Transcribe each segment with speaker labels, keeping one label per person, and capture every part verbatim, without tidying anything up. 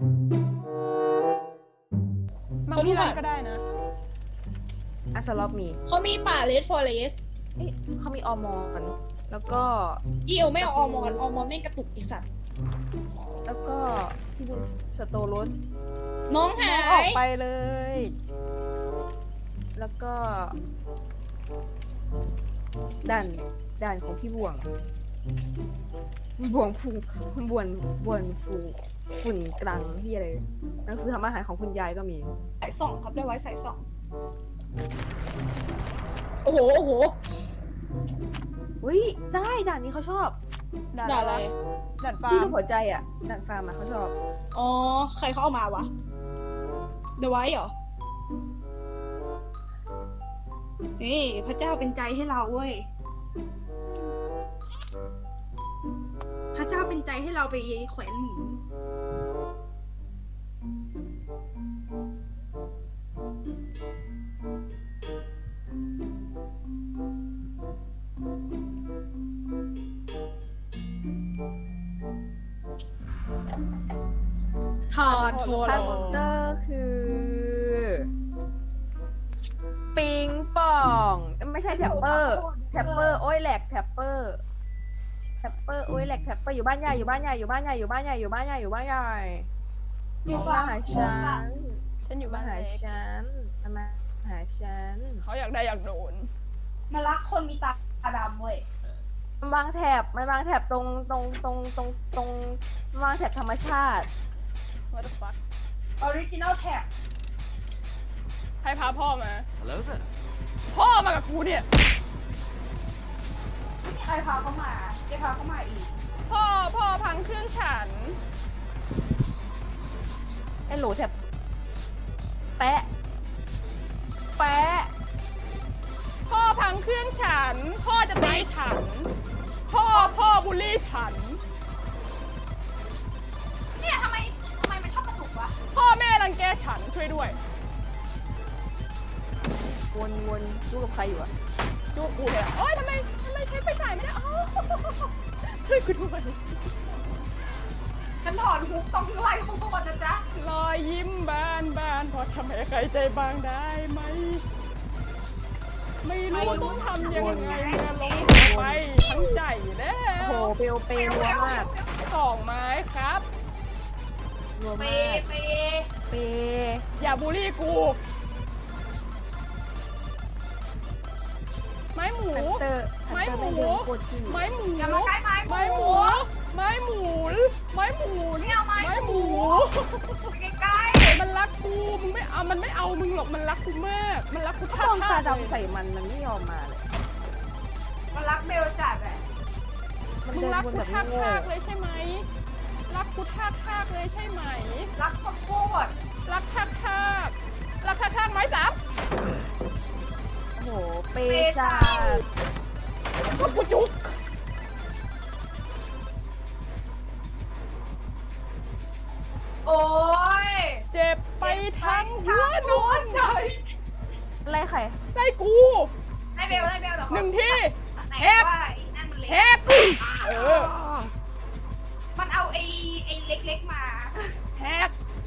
Speaker 1: บางที่ร้านก็ได้นะ
Speaker 2: อัสลอฟมี
Speaker 3: เขามีป่าเลดฟอเรส
Speaker 2: เอ๊ะเขามีออมอนแล้วก็
Speaker 3: อีเอลไม่เอาออมอนออมอนไม่กระตุกอีสัตว์
Speaker 2: แล้วก็ที่เป็นสโตรส
Speaker 3: น้องหา
Speaker 1: น้องออก
Speaker 3: ย
Speaker 1: ไปเลย
Speaker 2: แล้วก็ด่านด่านของพี่บ่วงบ่วงฟูบ่วนบ่วนฟูฝุ่นกลางที่อะไรหนังสือทำอาหารของคุณยายก็มี
Speaker 3: สายสองครับได้ไว้สายสองโอ้โหโอ้โห
Speaker 2: อุ้ยได้ด่านนี้เขาชอบ
Speaker 1: ด่าน
Speaker 3: ด่า
Speaker 1: อะ
Speaker 3: อะไร ไร
Speaker 1: ด่านฟา
Speaker 2: ที่
Speaker 1: ร์
Speaker 2: รู
Speaker 1: ม
Speaker 2: ปหัวใจอ่ะด่านฟาร์มอะเขาชอบ
Speaker 3: อ๋อใครเขาเอามาวะเดไว้เหรอนี่พระเจ้าเป็นใจให้เราเว้ยพระเจ้าเป็นใจให้เราไปแขวนหมูทานโท
Speaker 2: ทั
Speaker 3: โล
Speaker 2: นเตอร์คือ ปิงปองไม่ใช่แท็ปเปอร์แท็ปเปอร์โอ้ยแหลกแท็ปเปอร์แท็ปเปอร์โอ้ยแหลกแท็ปเปอร์อยู่บ้านใหญ่อยู่บ้านใหญ่อยู่บ้านใหญ่อยู่บ้านใหญ่อยู่บ้านใหญ่อยู่บ้านใหญ่อยู่บ้านหาฉัน
Speaker 1: ฉันอยู่
Speaker 2: มา
Speaker 1: บ้าน
Speaker 2: หา
Speaker 1: เล็ก
Speaker 2: ฉันมาหาฉัน
Speaker 1: เขาอยากได้อยากโดน
Speaker 3: มารักคนมีตาดำเว้ย
Speaker 2: มันวางแถบมันวางแถบตรงตรงตรงตรงตรงมันวางแถบธรรมชาติ
Speaker 1: What the fuck
Speaker 3: ออริจินอลแท็ก
Speaker 1: ให้พาพ่อมา
Speaker 4: Hello there.
Speaker 1: พ่อมากับกูเนี่ย
Speaker 3: ใครพาเขามาใครพาเขามาอีก
Speaker 1: พ่อพ่อพังเครื่องฉัน
Speaker 2: ไอ้โหลแถบแปะแปะ
Speaker 1: พ่อพังเครื่องฉัน พ่อจะตีฉัน พ่อพ่อบูลลี่ฉัน
Speaker 3: เนี่ยทำไมทำไมมันชอบกระตุกวะ
Speaker 1: พ่อแม่รังแกฉันช่วยด้วย
Speaker 2: วนวนดูกับใครอยู่อะ
Speaker 1: จูบกูเลยโอ๊ยทำไมทำไมใช้ไฟฉายไม่ได้อ๋อช่วยกูด้วย
Speaker 3: ฉันถอนฮุกต้องไล่เขาก่อนนะจ๊ะ
Speaker 1: รอยยิ้มบานบานพอทำให้ใครใจบางได้ไหม ไม่รู้ต้องทำยังไงเมื่อลงไปทั้งใจแล้
Speaker 2: โอ้
Speaker 1: ว
Speaker 2: โหเปลวเปลรัวมาก
Speaker 1: สองไม้ครับ
Speaker 2: รัว
Speaker 3: เป
Speaker 2: มาก
Speaker 3: เป
Speaker 2: เป
Speaker 1: อย่าบูลลี่กู ไม้หมู
Speaker 2: ฮันเตอร์ฮัน
Speaker 1: ไม้
Speaker 2: เตอร์
Speaker 1: หมู
Speaker 2: ไม่เดินโคตรที่
Speaker 1: ไม้หมู
Speaker 3: อย่ามาใกล้ไม้
Speaker 1: ไม้หมู ไม้หมู ไม้หมู
Speaker 3: ไม่เอาไม้
Speaker 1: ไม้หมู
Speaker 3: ใกล้
Speaker 1: มันรักกู มึงไม่เอา มันไม่เอามึงหรอก มันรักกูมาก มันรักกู
Speaker 2: ถ้า
Speaker 1: ท่า
Speaker 2: ลองตา
Speaker 1: ทางเลย
Speaker 2: ดำใส่มันมันไม่ยอมมาเลย
Speaker 3: ๆมันรักเบลจัดอะ
Speaker 2: มัน
Speaker 1: มึง
Speaker 2: เดิน
Speaker 1: รัก
Speaker 2: วน
Speaker 1: กู
Speaker 2: แบบ
Speaker 1: ท่า
Speaker 2: โง่
Speaker 1: ทางเลยใช่ไหม รักกูท่าทางเลยใช่ไหม
Speaker 3: รักข้าวโพด
Speaker 1: รักท่าทางรักท่าทางไม้สาม
Speaker 2: โอ้โหเปจ้า
Speaker 1: ก็กูจุก
Speaker 3: โอ้ย
Speaker 1: เจ็บไปทั้งหัวนอน
Speaker 3: ใจ
Speaker 2: ไล่ใคร
Speaker 1: ได้กู
Speaker 3: ให้เบลให้เบลเดี๋ยว
Speaker 1: หนึ่งที่
Speaker 3: ไหน
Speaker 1: แฮป
Speaker 3: ว่าไอ้นั่นมันเล็
Speaker 1: แฮ
Speaker 3: ก
Speaker 1: กเออ
Speaker 3: มันเอาไอ้ไอ้เล็กๆมา
Speaker 1: แฮก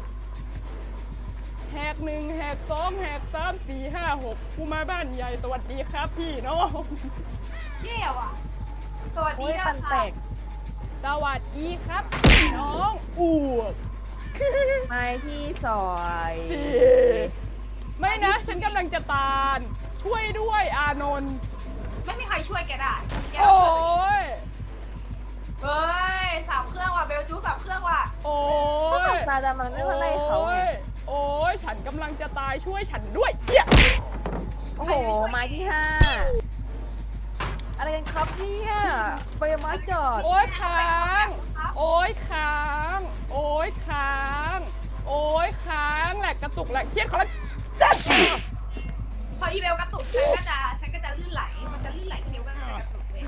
Speaker 1: แฮกหนึ่งแฮกสองแฮกสามสี่ห้าหกกูมาบ้านใหญ่สวัสดีครับพี่น้อง
Speaker 3: เยี่ยวอ่ะสวัส
Speaker 2: โอ้
Speaker 3: ดี
Speaker 2: ย
Speaker 3: นะ
Speaker 2: ปันแตก
Speaker 1: สวัสดีครับพี่น้องอ้วก
Speaker 2: ไม้ที่ซอย
Speaker 1: ไม่นะ ฉันกำลังจะตาย ช่วยด้วยอานนท์
Speaker 3: ไม่มีใครช่วยแกได้แก
Speaker 1: โอ้ย
Speaker 3: เฮ้ยสามเครื่องว่ะเบลจูสามเครื่องว่ะ
Speaker 1: โอ้
Speaker 2: ก็
Speaker 1: ย
Speaker 2: ตาดำมันไม่มาไล่เขาไง
Speaker 1: โอ้ยโอ้ยฉันกำลังจะตายช่วยฉันด้วยเหี้ย
Speaker 2: โอ้โหไม้ที่ห้าอะไรกันครับเนี่ยไปไม้จอด
Speaker 1: โอ้ยค้างโอ้ยค้างโอ้ยค้างโอ้ยค้างแหลกกระตุกแหลกเครียดขอละจัด
Speaker 3: พออีเบลกระตุกฉันก็จะฉันก็จะลื่นไหลมันจะลื่นไหลเบลก็จะกระตุกเลย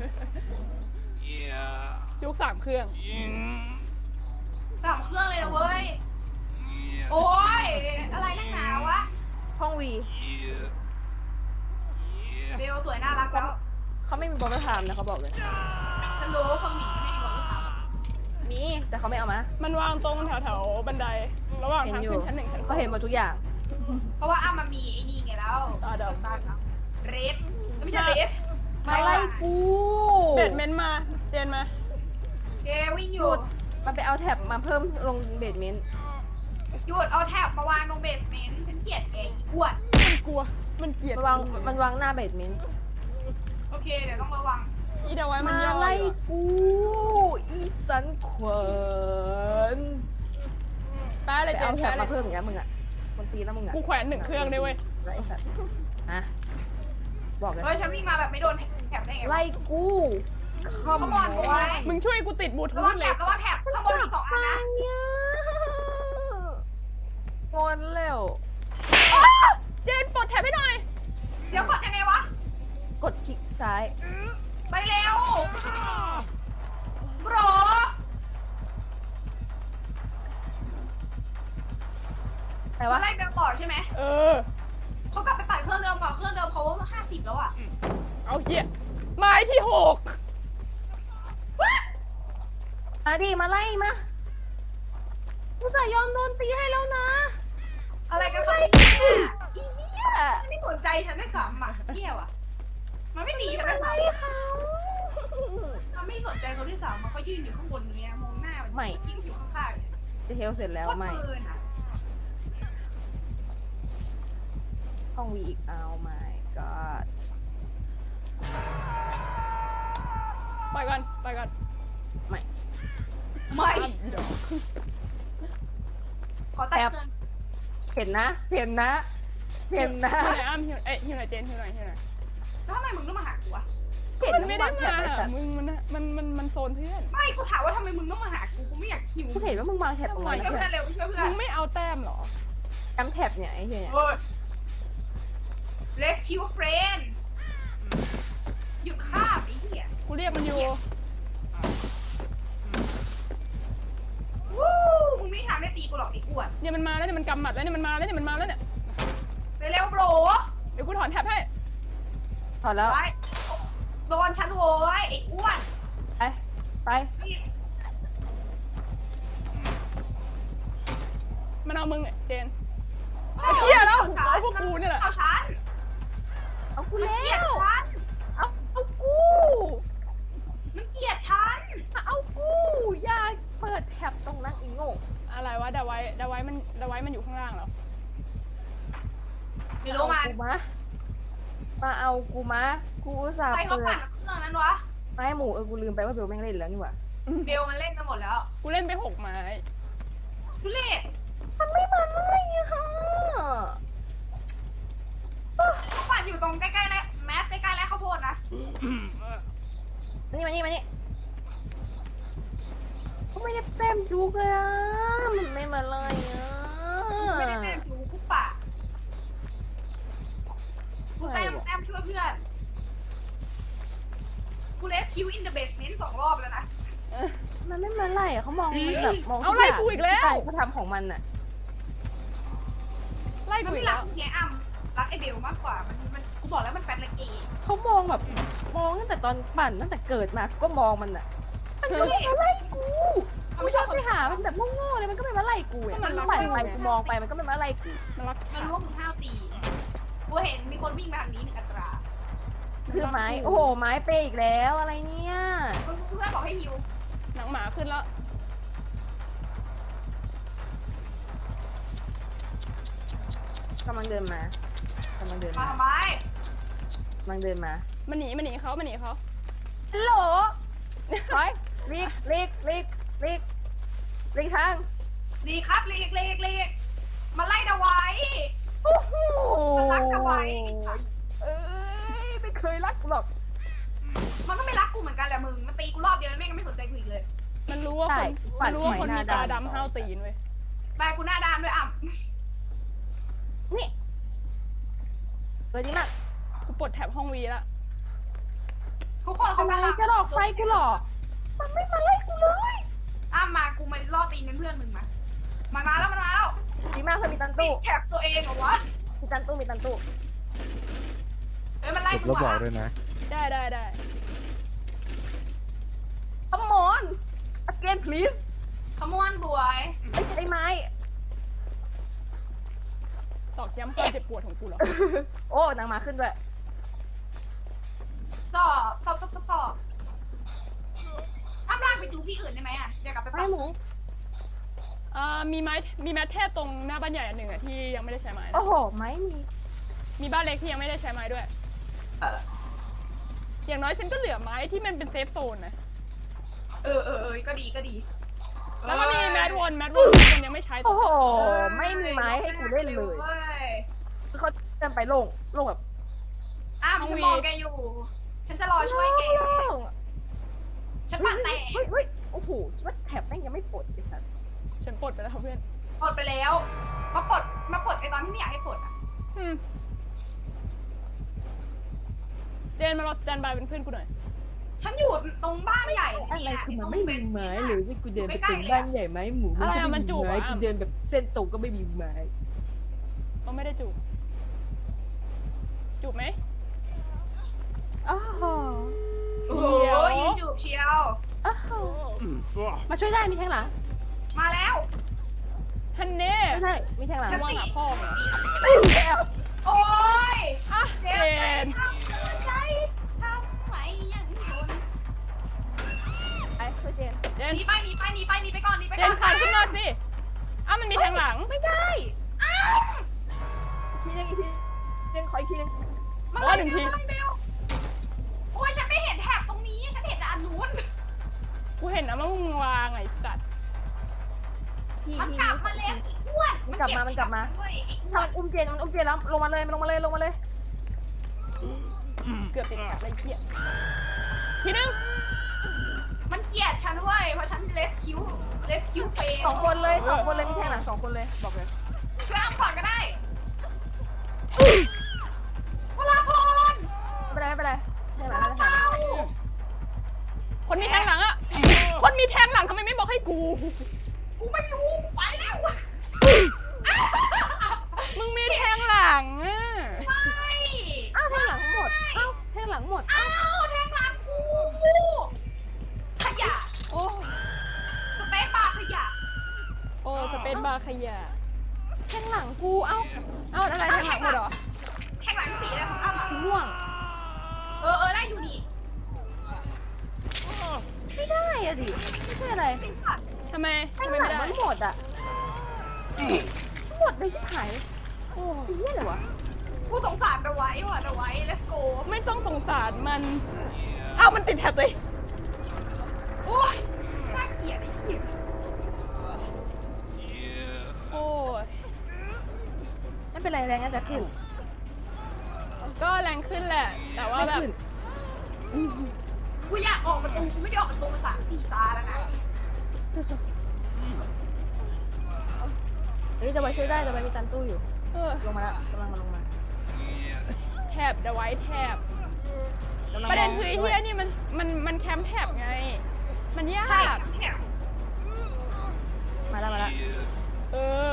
Speaker 4: Yeah.
Speaker 1: จุกสามเครื่อง
Speaker 3: สามเครื่องเลยนะเว้ย
Speaker 4: Yeah.
Speaker 3: โอ้ยอะไรนักหนาวะ
Speaker 2: ห้องวี
Speaker 4: Yeah.
Speaker 3: เบ
Speaker 4: Yeah.
Speaker 3: ลสวยน่ารักแล้ว
Speaker 2: เขาไม่มีบอลไทม์นะเขาบอกเลย
Speaker 3: ฉันรู้คนหมีไม่มีบอลลูนเท้า
Speaker 2: มีแต่เขาไม่เอามา
Speaker 1: มันวางตรงแถวแถวๆบันได ระหว่าง
Speaker 2: เห็น
Speaker 1: ทาง
Speaker 2: อยู่
Speaker 1: ขึ้นชั้นหนึ่งชั้นสอง
Speaker 2: เขาเห็นหมดทุกอย่าง
Speaker 3: เพราะว่าอ้ามันมีไอ้นี่ไงแล้ว
Speaker 1: อ่าเดี๋ยว
Speaker 3: ตาเรดไม่ใช่เรด
Speaker 2: มาไล่กู
Speaker 1: เบดเมนต์มา เจนมา
Speaker 3: เกวิ่งอ
Speaker 2: ห
Speaker 3: ยู่
Speaker 2: ยุดมันไปเอาแท็บมาเพิ่มลงเบดเมนต์
Speaker 3: หยุดเอาแท็บมาวางตรงเบสเมนต์ฉันเกลียดแกอีอ้วน
Speaker 1: มันกลัว มันเกลียด
Speaker 2: มันวางมันวางหน้าเบดเมนต์
Speaker 3: โอเคเดี๋ยวต้องระวัง
Speaker 1: อีเดาไว้มัน
Speaker 2: มา
Speaker 1: ย่อ
Speaker 2: ไล่
Speaker 1: อยู่อะ
Speaker 2: กูอีสันขวัญ
Speaker 1: แป๊ะเล
Speaker 2: ไป
Speaker 1: ยเจ
Speaker 2: เอา
Speaker 1: น
Speaker 2: แท็
Speaker 1: แป๊ะ
Speaker 2: บ
Speaker 1: เล
Speaker 2: มาย เพิ่มอย่างเงี้ยมึงอ่ะคนตีแล้วมึงอ่ะ
Speaker 1: กูแขวนหนึ่งเครื่องด้วยเว้ย
Speaker 2: ไล่สัตว์อ่ะบอกเลย
Speaker 3: เฮ้ยฉันวิ่งมาแบบไม่โดนแท็บได้ไงวะ
Speaker 2: ไล่กูข
Speaker 3: เขาบอลไว้
Speaker 1: มึงช่วยกูติดบลูทู
Speaker 3: ระวั
Speaker 1: ธ
Speaker 3: ง
Speaker 1: เล
Speaker 3: แท็
Speaker 1: ย
Speaker 3: บระวังแท็บข้างบนมีสองอันนะ
Speaker 2: เนี่ยงอนแล้ว
Speaker 1: อ้าเจนปลดแท็บให้หน่อย
Speaker 3: เดี๋ยวกดยังไงวะ
Speaker 2: กดคลิกซ้าย
Speaker 3: ไปเร็วโบร
Speaker 2: แต่
Speaker 3: ว่า
Speaker 2: ว่า
Speaker 3: ไล่เบลต่อใช่ไหม
Speaker 1: เออ
Speaker 3: เขากลับไปปั่นเครื่องเดิมก่อนเครื่องเดิมเขาห้าสิบแล้วอ่ะ
Speaker 1: เอาเหี้ยไม้ที่หก
Speaker 2: มาดิมาไล่มากูสายยอมโดนตีให้แล้วนะ
Speaker 3: อะไรกันครับ
Speaker 2: อีเหี้ย
Speaker 3: มันไม่สนใจฉันได้สามอ่ะเที่ยวอ่ะมันไม่ตีฉันได้
Speaker 2: ไล่
Speaker 3: สาม
Speaker 2: เขา
Speaker 3: มันไม่สนใจเขาด้วยซ้ำมันก็ยืนอยู่ข้างบนเนี้ยมองหน้ามันยิ่งอยู่ข้างๆ
Speaker 2: จะเฮลเสร็จแล้วไม่
Speaker 3: โคตรปืนอะ
Speaker 2: ห้องวีอีกเอาไม่ก็
Speaker 1: ไปก่อนไปก่อน
Speaker 2: ไม่
Speaker 3: ไม่
Speaker 1: อ้าวอีดอก
Speaker 3: ขอตัดเครื่อง
Speaker 2: เห็นนะเห็นนะเห็นนะ
Speaker 1: หิวไหนอ้ำหิวเอ้ยหิวไหนเจนหิวไหนหิวไหน
Speaker 3: แล้วทำไมมึงต้องมาหากูวะ
Speaker 2: เห็น
Speaker 1: มันไม่ได้
Speaker 2: ว่ง
Speaker 1: มา
Speaker 2: แถบไอ้สัตว์
Speaker 1: มึงมันมันมันมันโซนเพื่อน
Speaker 3: ไม่กูถามว่าทำไมมึงต้องมาหากูกูไม่อยากคิว
Speaker 2: กูเห็นว่ามึงวางแถบตรง
Speaker 3: ช่วย
Speaker 2: นั้น
Speaker 3: เพื่
Speaker 2: นะ
Speaker 3: อนเร็วช่วยเพื่อ
Speaker 1: มึ
Speaker 3: น
Speaker 1: งไม่เอาแต้มเหรอ
Speaker 2: จำแถบเนี่ยไอ้เหี้ยเนี่ย
Speaker 3: โอ้ย rescue friend หยุดฆ่าไอ้เหี้ย
Speaker 1: กูเรียกมันอยู่
Speaker 3: วู้มึงไม่มีทางได้ตีกูหรอกไอ้อ้วน
Speaker 1: เนี่ยมันมาแล้วเนี่ยมันกำหมัดแล้วเนี่ยมันมาแล้วเนี่ยมันมาแล้วเนี่ย
Speaker 3: เร็วๆโบร
Speaker 1: เดี๋ยวกูถอนแท็บให้
Speaker 2: ถอดแล้ว
Speaker 3: ไว้โดนฉันโว้ยไอ้อ้วน
Speaker 2: ไปไป
Speaker 1: มันเอามึงเนี่ยเจน ไอ้เหี้ยแล้วเอาพวกกูเนี่ยแหละ
Speaker 3: เอาฉัน
Speaker 2: เอากู
Speaker 3: มัน
Speaker 2: แล้
Speaker 3: เกลียด
Speaker 2: ว
Speaker 3: ฉัน
Speaker 2: เอาเอากู
Speaker 3: มันเกลียดฉัน
Speaker 2: เอากูอย่าเปิดแถบตรงนั้นอีโง่
Speaker 1: อะไรวะดาไว้ดาไว้มันดาไว้มันอยู่ข้างล่างเหรอ
Speaker 3: ไม่รู้มัน
Speaker 2: เอากูมามาเอากูมากูอุตส่าห์
Speaker 3: ใครเขา
Speaker 2: เปิ
Speaker 3: ปั่
Speaker 2: ด
Speaker 3: นเครื่องนั้นวะ
Speaker 2: ไม้หมูเออกูลืมไปว่าเบลแม่งเล่นแล้วนี่หว่า
Speaker 3: เบลมันเล่นกันหมดแล้ว
Speaker 1: กูเล่นไปหกไม้
Speaker 3: ทุเรศ
Speaker 2: มันไม่มาอะไรอะค่ะ
Speaker 3: เขาปั่นอยู่ตรงใกล้ๆแล้วแมสใกล้ๆแล้วข้าวโพดนะ
Speaker 2: มานี่มานี่มานี่เขาไม่ได้เต็มจุกเลยอะมันไม่มาเลยอะ
Speaker 3: ไม่ได้แต้มจูกูป่ากูแต้มแต้มช่วยเพื่อนกูเลสคิวอินเดอะเบสเมนต์สองรอบแล้วนะ
Speaker 1: เออ
Speaker 2: มันไม่มาไล่อะเขามองมันแบบมอง
Speaker 1: เอาไล่กูอีกแล้ว
Speaker 2: เขาทำของมันอะ
Speaker 1: ไล่
Speaker 3: มัน
Speaker 1: กูอี
Speaker 3: ไม่
Speaker 1: ก
Speaker 3: รั
Speaker 1: แล้
Speaker 3: ก
Speaker 1: ว
Speaker 3: เฮียอ้ำรักไอเบลมากกว่ามันมันกูบอกแล้วมันแฟนละเกย์
Speaker 2: เขามองแบบมองตั้งแต่ตอนปั่นตั้งแต่เกิดมาก็มองมันอะมันก็ไม่มาไล่กูกูชอบไปหามันแบบโง่ๆเลยมันก็ไม่มาไล่กูอะมันปั่นไปกูมองไปมันก็ไม่มาไล่กู
Speaker 1: มันรัก
Speaker 3: มัน
Speaker 1: ฉัน
Speaker 3: รู้ว่ามึงห้าวตีกูเห็นมีคนวิ่งมาทางนี้หนึ่งอัตรา
Speaker 2: คือไม้โอ้โหไม้เปย์อีกแล้วอะไรเนี่ย
Speaker 3: เพื่อนบอกให้ฮิว
Speaker 1: หนังหมาขึ้นแล้ว
Speaker 2: กำลังเดินมากำลังเดิน
Speaker 3: มา
Speaker 2: มา
Speaker 3: ทำไม
Speaker 2: กำลังเดินมา
Speaker 1: มันหนีมันหนีเขามันหนีเขา
Speaker 2: ฮัลโหลถอยลีกลีกลีกลีกลีกทาง
Speaker 3: ลีครับลีกลีกลีกมาไล่ดาไว้
Speaker 2: โอ้โห
Speaker 3: มันรักดาไว้
Speaker 2: เอ้ยไม่เคยรักกูหรอก
Speaker 3: มันก็ไม่รักกูเหมือนกันแหละมึงมันตีกูรอบเดียวแล้วแม่งก็ไม่สนใจกูอีกเลย
Speaker 1: มันรู้ว่าคนมันรู้ว่าคนมีตาดำห้าวตีนเว้ย
Speaker 3: แบกกูหน้าด้านด้วยอ่ะ
Speaker 2: นี่เปิดดีมาก
Speaker 1: กูปลดแท็บห้องวีแล้ว
Speaker 3: ทุกคนเขา
Speaker 2: ทำไม
Speaker 3: กำลัง
Speaker 2: จะหลอกไฟกูหรอมันไม่มาไล่กูเลย
Speaker 3: อ้ามากูมาล่อตีนเป็นเพื่อนมึงมามันมาแล้วมันมาแล้ว
Speaker 2: ดีมากเคยมีตัน
Speaker 3: ติ
Speaker 2: ตู้
Speaker 3: ดแคปตัวเองเหรอวะ
Speaker 2: มีตันตู้มีตันตู้
Speaker 3: เอ้ยมันไล่
Speaker 5: กด
Speaker 3: กู
Speaker 5: แล้วบอก
Speaker 3: อ่ะ
Speaker 5: ด้วยนะ
Speaker 1: ได้ได้ได้
Speaker 2: Come on again please
Speaker 3: ขมวนบวย
Speaker 2: ไม่ใช่ไม้
Speaker 1: ตอกย้ำความเจ็บปวดของกูเหรอ
Speaker 2: โอ้นางมาขึ้นด้วย
Speaker 3: สอบสอบสอบสอบสอบอ้ำลากไปดูที่อื่นได้ไหมอ่ะเดี๋ยวกลับไป
Speaker 2: ไม่
Speaker 3: ปั๊ม
Speaker 2: หมู
Speaker 1: เอ่อมีไม้มีแมทเทศตรงหน้าบ้านใหญ่อันหนึ่งอะที่ยังไม่ได้ใช้ไม้นะ
Speaker 2: โอ้โห ไม้มี
Speaker 1: มีบ้านเล็กที่ยังไม่ได้ใช้ไม้ด้วย อย่างน้อยฉันก็เหลือไม้ที่มันเป็นเซฟโซนนะ
Speaker 3: เออเออเออก็ดีก็ดี
Speaker 1: แล้วก็มีแมทวอนแมทวอนที่คนยังไม่ใช้ต่
Speaker 2: โอ้
Speaker 1: อ
Speaker 2: โห ไม่มีไม้ให้กูเล่นเลย คือเขาเดินไปโล่งโล่งแบบ
Speaker 3: อ้าวฉันมองแกอยู่ ฉันจะรอช่วยแก
Speaker 2: โล่ง
Speaker 3: ฉันปัดแตก
Speaker 2: เฮ้ยเฮ้ยโอ้โหคิดว่าแถบแม่งยังไม่ปลดไอ้สัส
Speaker 1: ฉันปลดไปแล้วเพื่อน
Speaker 3: ปลดไปแล้ว มาปลดมาปลดไอตอนที่ไม่อยากให้ปลดอ่ะ
Speaker 1: อืมเจนมารอสแตนบายเป็นเพื่อนกูหน่อย
Speaker 3: ฉันอยู่ตรงบ้านใหญ่
Speaker 2: อะไร
Speaker 3: เนี่ย
Speaker 2: คือมันไม่มีไม้หรือที่กูเดินไป
Speaker 3: ใกล้
Speaker 2: ถึง
Speaker 3: ๆ
Speaker 2: บ้านใหญ่ไม้หมู
Speaker 1: อะไรอะ
Speaker 2: ก็
Speaker 1: มันจูบ
Speaker 2: ไม้
Speaker 1: อะ
Speaker 2: กูเดินแบบเส้นตรงก็ไม่มีไม้
Speaker 1: เขาไม่ได้จูบจูบไหม
Speaker 2: อ้าว
Speaker 3: โอ้โหยืนจูบเชียว
Speaker 2: อ้าวมาช่วยได้มีแทงหลัง
Speaker 3: มาแล้ว
Speaker 1: ฮันเน่
Speaker 2: ไม่ใช่มีแทงหลัง
Speaker 1: ระวังหาพ่อมึงอะ
Speaker 3: โอ้ย
Speaker 1: อ่ะเจ
Speaker 3: เจ็บ
Speaker 1: น
Speaker 3: ใจทำไมอย่างนี้
Speaker 2: ไอ้ช่วยเจน
Speaker 1: เจน
Speaker 3: หนีไปหนีไปหนีไปหนีไปก่อนหนีไป
Speaker 1: เจ
Speaker 3: ก่อน น
Speaker 1: ขาดขึ้นมาสิอ้าวมันมีแทงหลัง
Speaker 2: ไม่ได้
Speaker 3: อ้าว
Speaker 2: อีกทีนึงอีกทีเจนขออีกทีนึง
Speaker 3: มา
Speaker 1: โอ้ยหนึ่งที
Speaker 3: มาเร็วโอ้ยฉันไม่เห็นแถบตรงนี้ ฉันเห็นแต่อันนู้น
Speaker 1: กูเห็นนะว่ามึงวางไอ้สัตว์
Speaker 2: ที
Speaker 3: มัน
Speaker 2: ที
Speaker 3: กลับมาแล้วไอ้อ้วน
Speaker 2: มันกลับมามันกลับมา
Speaker 3: เว้ยไอ้อ้ว
Speaker 2: ถ้าน มันอุ้มเจนมันอุ้มเจนแล้วลงมาเลยมันลงมาเลยลงมาเลย
Speaker 1: เกือบติดแถบเลยไอ้เหี้ยทีนึง
Speaker 3: มันเกลียดฉันเว้ย เพราะฉันเลสคิวเลสคิวเฟย์
Speaker 2: สองคนเลยสองคนเลยมีแทงหลังสองคนเลยบอกเลย
Speaker 3: ช่วยอ้ำก่อนก็ได้พลาพล
Speaker 2: ไม่เป็นไรไม่เป็นไรแทงหลังแล้วแทงหลั
Speaker 3: เป้าง
Speaker 1: คนมีแทงหลังอะคนมีแทงหลังทำไมไม่บอกให้กู
Speaker 3: กูไม่รู้กูไปแล้ว
Speaker 1: มึงมีแทงหลังอะ
Speaker 3: ไม่
Speaker 2: อ้าวแทงหลังหมดอ้าวแทงหลังหมด
Speaker 3: อ้าวแทงหลังกูขยะ
Speaker 1: โอ้
Speaker 3: สเปซบาร์ขยะ
Speaker 1: โอ้สเปนบาร์ขยะ
Speaker 2: แทงหลังกูเอ้า
Speaker 1: เอ้าอะไรแทงหลังหมดเหรอ
Speaker 3: แทงหลังสีอะไรของอ้ำอะ
Speaker 1: สีม่วง
Speaker 3: เออเออได้อยู่นี่
Speaker 2: ไม่ได้อะดิไม่ใช่อะไร
Speaker 1: ทำไม
Speaker 2: แท
Speaker 1: ทำ
Speaker 2: ง
Speaker 1: ไม
Speaker 2: หลั
Speaker 1: ไม่
Speaker 2: ง
Speaker 1: ได้
Speaker 2: มันหมดอะหมดเลยชิบหายโอ้ยนี่อะไรวะ
Speaker 3: ผู้สงสารระไว้ว่ะระไว้ let's go
Speaker 1: ไม่ต้องสงสารมัน เอ้ามันติดแท็บเลย
Speaker 3: โอ้ยน่าเกลียดไอ้เหี้ย
Speaker 1: โอ้ย
Speaker 2: ไม่เป็นไรแรงอาจจะขึ้น
Speaker 1: ก็แรงขึ้นแหละ แต่ว่า
Speaker 2: ไม่
Speaker 1: แบบ
Speaker 2: ขึ้น
Speaker 3: กูอยากออกประตูกูไม่ได้ออกประตูมาสามสี่ตาแล้วนะ
Speaker 2: เอ้ยจะไปช่วยได้จะไปมีตันตู้อยู่
Speaker 1: เออ
Speaker 2: ลงมาแล้วกำลังมาลงมา
Speaker 1: แท็บเดอะไว้แท็บ
Speaker 2: กำลัง
Speaker 1: ประเด็น
Speaker 2: มง
Speaker 1: คือไอ้
Speaker 2: ด้ว
Speaker 1: เฮียนี่มันมันมันแคมป์แท็บไง มันยา
Speaker 3: ใช่
Speaker 1: ก
Speaker 3: เนี่ย
Speaker 2: มาแล้วมาแล้ว
Speaker 1: เออ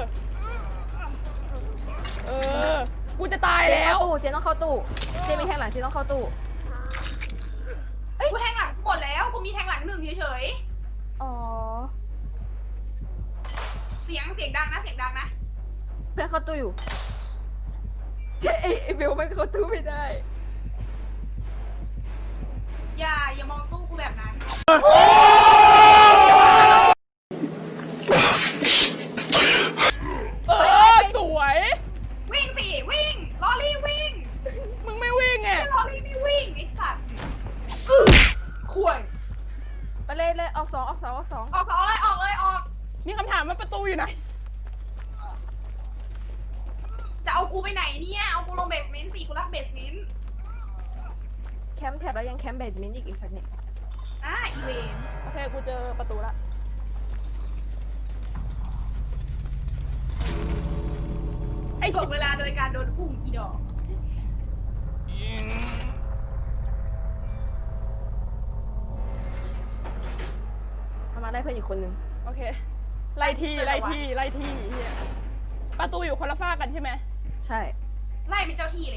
Speaker 1: เออ กูจะตาย
Speaker 2: เจน
Speaker 1: แล้
Speaker 2: เข้าว ตู้เจนต้องเข้าตู้เจนมีแทงหลังเจนต้องเข้าตู้
Speaker 3: กูแทงหลังหมดแล้ว กูมีแทงหลังหนึ่งเฉย
Speaker 2: อ๋อ
Speaker 3: ๆ เสียงเสียงดังนะเสียงดังนะ
Speaker 2: เพื่อนเข้าตู้อยู่เจไอเบลมันเข้าตู้ไม่ได้
Speaker 3: อย่าอย่ามองตู้กูแบบนั้น
Speaker 1: เออ สวย
Speaker 3: วิ่งสิวิ่งลอรี่วิ่ง
Speaker 1: มึงไม่วิ่งไง
Speaker 3: ลอรี่ไม่วิ่งไอ้สัตว์ข่วย
Speaker 2: ไปเลยเลยออกสองออกสองออกสอง
Speaker 3: ออกออกเลยออกเลยออก
Speaker 1: มีคำถามว่าประตูอยู่ไหน
Speaker 3: จะเอากูไปไหนเนี่ยเอากูลงเบสเมนต์สิกูรักเบสเมนต์
Speaker 2: แคมป์แท็บแล้วยังแคมป์เบดมินต์อีกอีกสักเนี่ย
Speaker 3: อ่าอีเวนต์
Speaker 1: โอเค กูเจอประตูละ ไอ้
Speaker 3: จ
Speaker 1: ชิ
Speaker 3: บเวลาโดยการโดนอุ้มอีดอก
Speaker 2: เอามาได้เพื่อนอีกคนนึง
Speaker 1: โอเค ไล่ที่ไล่ที่ไล่ที่เฮียประตูอยู่คนละฝ้ากกันใช่ไหม
Speaker 2: ใช่
Speaker 3: ไล่เป็นเจ้าที่เลย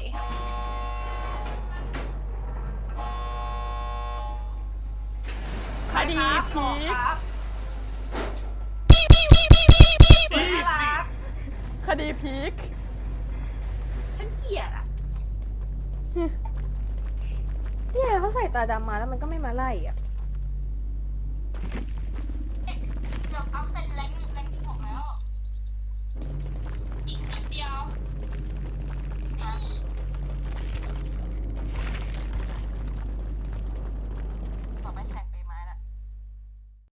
Speaker 1: คดี
Speaker 3: ครับ
Speaker 1: ผี
Speaker 3: ครับ
Speaker 1: ดีพีค
Speaker 3: ฉันเกลียดอ่ะ
Speaker 2: เนี่ยเขาใส่ตาดำมาแล้วมันก็ไม่มาไล่อ่ะ